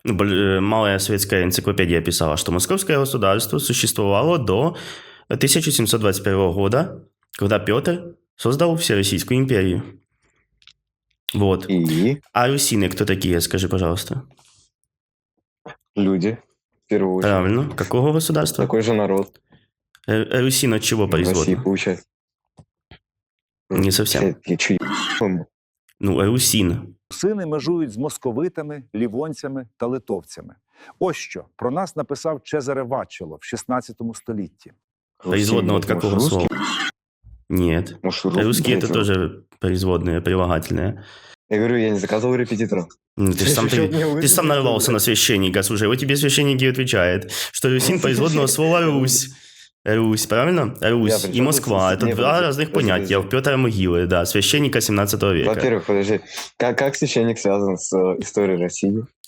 Малая советская энциклопедия писала, что московское государство существовало до 1721 года, когда Петр создал Всероссийскую империю. Вот. И А русины кто такие, скажи, пожалуйста? люди, в первую очередь. Правильно. Какого государства? Такой же народ Русин от чего в России производна? получается. Не совсем. Я чё, Русин. Русини межують з московитами, лівонцями та литовцями. Ось що про нас написав Чезаре Вачело в 16 столітті. Производная от какого слова? Нет. Может, Русские это тоже производные, прилагательные. Я говорю, я не заказывал репетитора. Ты сам нарвался на священника. Слушай, вот тебе священник и отвечает, что Русин производного слова Русь. Русь, правильно? Русь и Москва. Это два разных понятия. В Петра Могилы, да, священника 17 века. Во-первых, подожди, как священник связан с историей России?